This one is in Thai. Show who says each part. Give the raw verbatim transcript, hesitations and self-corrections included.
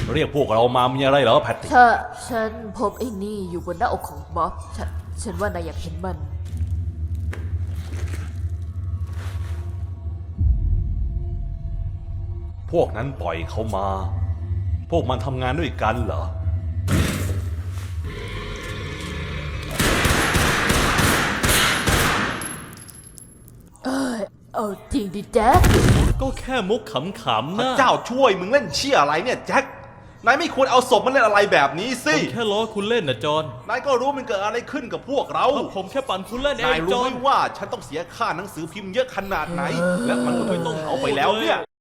Speaker 1: เรียกพวกเรามามีอะไรเหรอแพตติ
Speaker 2: ถ้าฉันพบไอ้นี่อยู่บนหน้าอกของบ๊อบฉันฉันว่านายอยากเห็นมัน
Speaker 1: พวกนั้นปล่อยเขามา พวกมันทำงานด้วยกันเหรอ
Speaker 2: เอ้ยเอาจริงดิแจ๊ค
Speaker 3: ก็แค่มุกขำๆ
Speaker 4: พระ
Speaker 3: นะ
Speaker 4: เจ้าช่วยมึงเล่นเชี่ยอะไรเนี่ยแจ็คนายไม่ควรเอาศพมาเล่นอะไรแบบนี้สิ
Speaker 3: ผมแค่ล้อคุณเล่นนะจอน
Speaker 4: นายก็รู้มันเกิดอะไรขึ้นกับพวกเรา
Speaker 3: เพราะผมแค่ปั่นคุณเล่นเอน
Speaker 4: าย
Speaker 3: งจ
Speaker 4: รู้
Speaker 3: อ
Speaker 4: ไหม
Speaker 3: น
Speaker 4: ว่าฉันต้องเสียค่าหนังสือพิมพ์เยอะขนาดไหน และมันก็ไม่ต้องเอาไปแล้วเนี่ย